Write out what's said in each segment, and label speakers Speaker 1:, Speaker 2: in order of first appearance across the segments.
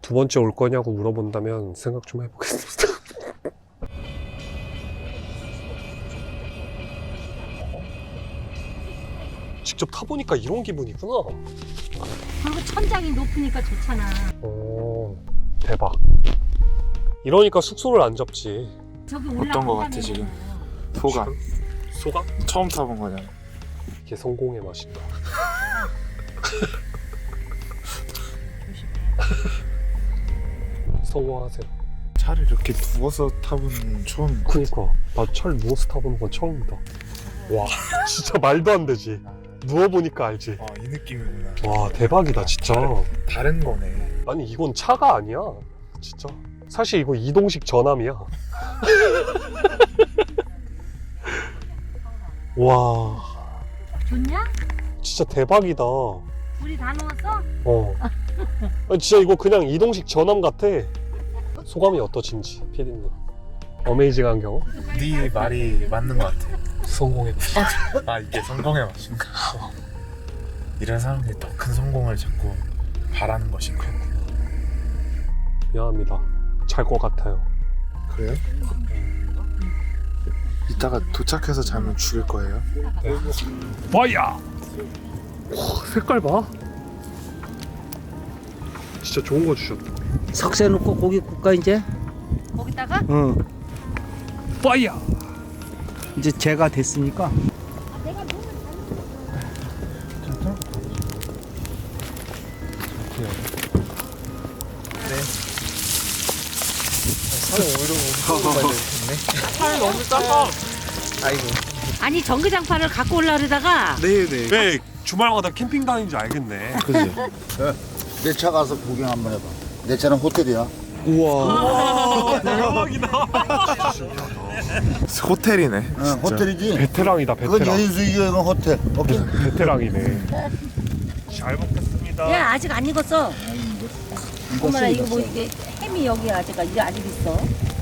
Speaker 1: 두 번째 올 거냐고 물어본다면 생각 좀 해보겠습니다. 직접 타보니까 이런 기분이구나.
Speaker 2: 그리고 천장이 높으니까 좋잖아.
Speaker 1: 대박. 이러니까 숙소를 안 잡지.
Speaker 2: 저기
Speaker 3: 어떤 거 같아 지금? 소감.
Speaker 1: 소감?
Speaker 3: 처음 타본 거잖아.
Speaker 1: 이게 성공의 맛인가. 성공하세요.
Speaker 3: 차를 이렇게 누워서 타본 건 처음.
Speaker 1: 그니까 나 차를 누워서 타보는 건 처음이다. 와 진짜 말도 안 되지. 누워보니까 알지.
Speaker 3: 이 느낌이구나.
Speaker 1: 와 대박이다 진짜.
Speaker 3: 다른 거네.
Speaker 1: 아니 이건 차가 아니야 진짜. 사실 이거 이동식 전함이야. 와
Speaker 2: 좋냐?
Speaker 1: 진짜 대박이다.
Speaker 2: 우리 다 누웠어?
Speaker 1: 아니, 진짜 이거 그냥 이동식 전함 같아. 소감이 어떠신지 피디님. 어메이징한 경우?
Speaker 3: 네 말이 맞는 거 같아.
Speaker 1: 성공했다.
Speaker 3: 이게 성공의 맛인가? 이런 사람들이 더 큰 성공을 자꾸 바라는 것인가?
Speaker 1: 미안합니다. 잘 것 같아요.
Speaker 3: 그래요? 이따가 도착해서 자면 죽일 거예요?
Speaker 1: 와야! 색깔 봐. 진짜 좋은 거 주셨다.
Speaker 4: 석쇠 넣고 고기 굽까 이제?
Speaker 2: 거기다가?
Speaker 4: 응.
Speaker 1: 파이야!
Speaker 4: 이제 재가 됐으니까.
Speaker 1: 팔 너무 작아.
Speaker 2: 아니 전기장판을 갖고 올라 그러다가
Speaker 3: 네네.
Speaker 1: 왜 주말마다 캠핑 다니는지 알겠네.
Speaker 3: 그지?
Speaker 5: 내 차 가서 구경 한번 해봐. 내 차는 호텔이야.
Speaker 3: 우와.
Speaker 1: 대박이다.
Speaker 3: 호텔이네.
Speaker 5: 호텔이지.
Speaker 1: 베테랑이다
Speaker 5: 그건
Speaker 1: 베테랑.
Speaker 5: 여인수이고 이건 호텔. 오케이.
Speaker 1: 베테랑이네. 잘 먹겠습니다.
Speaker 2: 야 아직 안 익었어. 어머나 이거 뭐 이게 햄이 여기 아직 있어.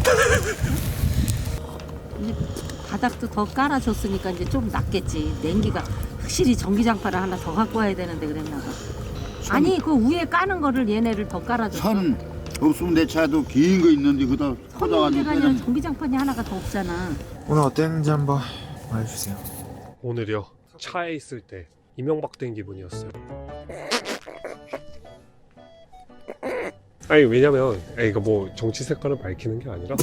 Speaker 2: 이제 바닥도 더 깔아줬으니까 이제 좀 낫겠지. 냉기가 확실히 전기장판을 하나 더 갖고 와야 되는데 그랬나 봐. 아니 그 위에 까는 거를 얘네를 더 깔아줬어.
Speaker 5: 선 없으면 내 차도 긴 거 있는데 그다
Speaker 2: 선이
Speaker 5: 꽂아가지고
Speaker 2: 문제가 아니라
Speaker 5: 그냥
Speaker 2: 전기장판이 하나가 더 없잖아.
Speaker 3: 오늘 어땠는지 한번 말해주세요.
Speaker 1: 오늘이요. 차에 있을 때 이명박 된 기분이었어요. 아니 왜냐면 이거 뭐 정치 색깔을 밝히는 게 아니라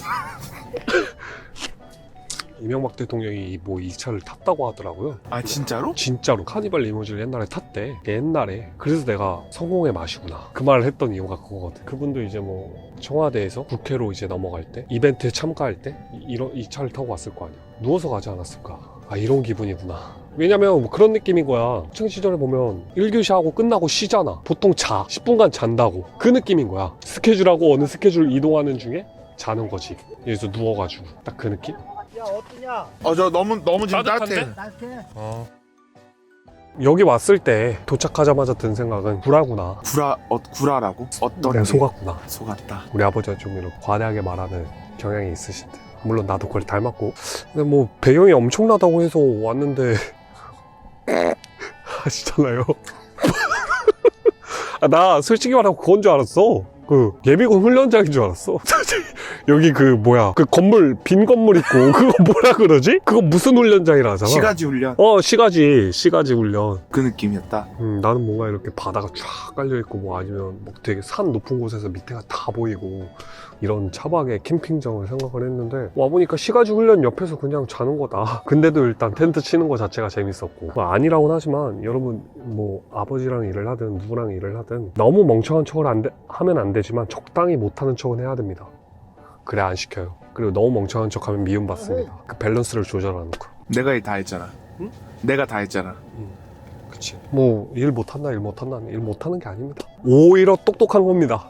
Speaker 1: 이명박 대통령이 뭐 이 차를 탔다고 하더라고요.
Speaker 3: 진짜로?
Speaker 1: 진짜로 카니발 리무진을 옛날에 탔대. 옛날에. 그래서 내가 성공의 맛이구나 그 말을 했던 이유가 그거거든. 그분도 이제 뭐 청와대에서 국회로 이제 넘어갈 때 이벤트에 참가할 때 이 차를 타고 왔을 거 아니야. 누워서 가지 않았을까. 이런 기분이구나. 왜냐면 뭐 그런 느낌인 거야. 학창 시절에 보면 1교시 하고 끝나고 쉬잖아. 보통 자 10분간 잔다고. 그 느낌인 거야. 스케줄하고 어느 스케줄 이동하는 중에 자는 거지. 여기서 누워가지고 딱 그 느낌?
Speaker 3: 저 너무 지금
Speaker 1: 따뜻한데?
Speaker 3: 따뜻해.
Speaker 1: 여기 왔을 때 도착하자마자 든 생각은 구라구나.
Speaker 3: 구라라고? 어떤
Speaker 1: 내가
Speaker 3: 게?
Speaker 1: 속았구나.
Speaker 3: 속았다.
Speaker 1: 우리 아버지가 좀 이렇게 과대하게 말하는 경향이 있으신데, 물론 나도 그걸 닮았고. 근데 뭐 배경이 엄청나다고 해서 왔는데 하시잖아요. 나 솔직히 말하고 그건 줄 알았어. 그 예비군 훈련장인 줄 알았어. 여기 그 뭐야 그 건물 빈 건물 있고 그거 뭐라 그러지? 그거 무슨 훈련장이라 하잖아.
Speaker 3: 시가지 훈련.
Speaker 1: 시가지 훈련.
Speaker 3: 그 느낌이었다.
Speaker 1: 나는 뭔가 이렇게 바다가 쫙 깔려있고 뭐 아니면 뭐 되게 산 높은 곳에서 밑에가 다 보이고 이런 차박의 캠핑장을 생각을 했는데 와보니까 시가지 훈련 옆에서 그냥 자는 거다. 근데도 일단 텐트 치는 거 자체가 재밌었고 뭐 아니라고는 하지만 여러분 뭐 아버지랑 일을 하든 누구랑 일을 하든 너무 멍청한 척을 하면 안 되지만 적당히 못하는 척은 해야 됩니다. 그래 안 시켜요. 그리고 너무 멍청한 척하면 미움받습니다. 그 밸런스를 조절하는 거.
Speaker 3: 내가 다 했잖아.
Speaker 1: 응?
Speaker 3: 내가 다 했잖아.
Speaker 1: 그치. 뭐 일 못한다 일 못하는 게 아닙니다. 오히려 똑똑한 겁니다.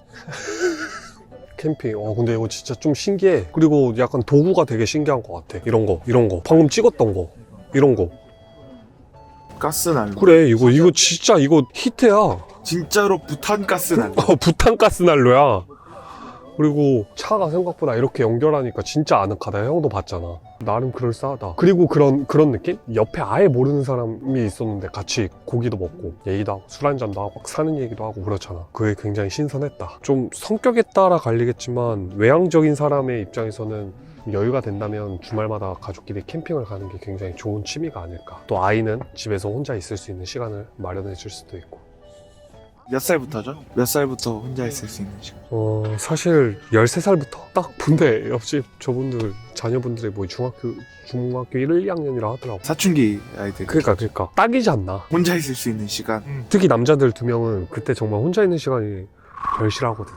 Speaker 1: 캠핑. 근데 이거 진짜 좀 신기해. 그리고 약간 도구가 되게 신기한 것 같아. 이런 거 방금 찍었던 거 이런 거.
Speaker 3: 가스난로.
Speaker 1: 그래 이거 진짜 이거 히트야.
Speaker 3: 진짜로 부탄가스난로.
Speaker 1: 부탄가스 난로야. 그리고 차가 생각보다 이렇게 연결하니까 진짜 아늑하다. 형도 봤잖아. 나름 그럴싸하다. 그리고 그런 느낌? 옆에 아예 모르는 사람이 있었는데 같이 고기도 먹고 얘기도 하고 술 한잔도 하고 막 사는 얘기도 하고 그렇잖아. 그게 굉장히 신선했다. 좀 성격에 따라 갈리겠지만 외향적인 사람의 입장에서는 여유가 된다면 주말마다 가족끼리 캠핑을 가는 게 굉장히 좋은 취미가 아닐까. 또 아이는 집에서 혼자 있을 수 있는 시간을 마련해 줄 수도 있고.
Speaker 3: 몇 살부터죠? 몇 살부터 혼자 있을 수 있는 시간?
Speaker 1: 사실 13살부터 딱 본데 옆집 저분들 자녀분들이 뭐 중학교 1, 2학년이라 하더라고.
Speaker 3: 사춘기 아이들.
Speaker 1: 그러니까 딱이지 않나.
Speaker 3: 혼자 있을 수 있는 시간.
Speaker 1: 특히 남자들 2명은 그때 정말 혼자 있는 시간이 별실하거든.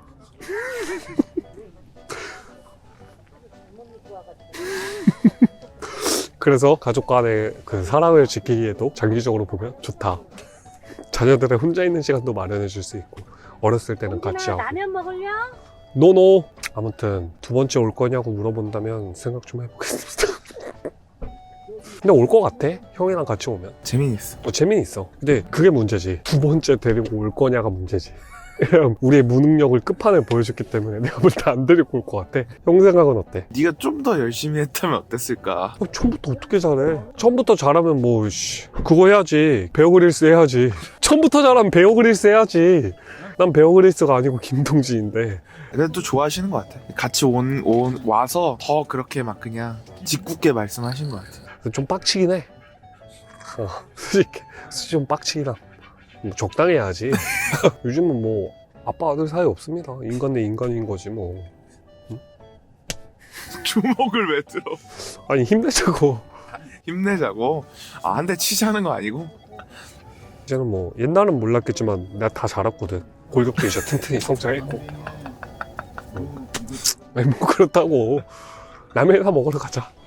Speaker 1: 그래서 가족 간의 그 사랑을 지키기에도 장기적으로 보면 좋다. 자녀들의 혼자 있는 시간도 마련해 줄 수 있고 어렸을 때는 같이 하고.
Speaker 2: 라면 먹을려?
Speaker 1: 노노. 아무튼 두 번째 올 거냐고 물어본다면 생각 좀 해보겠습니다. 근데 올 거 같아. 형이랑 같이 오면
Speaker 3: 재미있어.
Speaker 1: 재미는 있어. 근데 그게 문제지. 두 번째 데리고 올 거냐가 문제지. 우리의 무능력을 끝판을 보여줬기 때문에 내가 볼 때 안 데리고 올 것 같아. 형 생각은 어때?
Speaker 3: 네가 좀 더 열심히 했다면 어땠을까?
Speaker 1: 처음부터 어떻게 잘해? 처음부터 잘하면 뭐 그거 해야지. 베어 그릴스 해야지. 처음부터 잘하면 베어 그릴스 해야지. 난 베어 그릴스가 아니고 김동진인데.
Speaker 3: 그래도 또 좋아하시는 것 같아. 같이 와서 더 그렇게 막 그냥 짓궂게 말씀하신 것 같아.
Speaker 1: 좀 빡치긴 해. 솔직히 좀 빡치긴 함. 뭐 적당히 해야지. 요즘은 뭐 아빠 아들 사이 없습니다. 인간 대 인간인 거지 뭐.
Speaker 3: 주먹을 왜 들어?
Speaker 1: 아니 힘내자고.
Speaker 3: 힘내자고. 한 대 치자는 거 아니고?
Speaker 1: 이제는 뭐 옛날은 몰랐겠지만 내가 다 자랐거든. 골격도 이제 튼튼히 성장했고. 아니 뭐 그렇다고. 라면이나 먹으러 가자.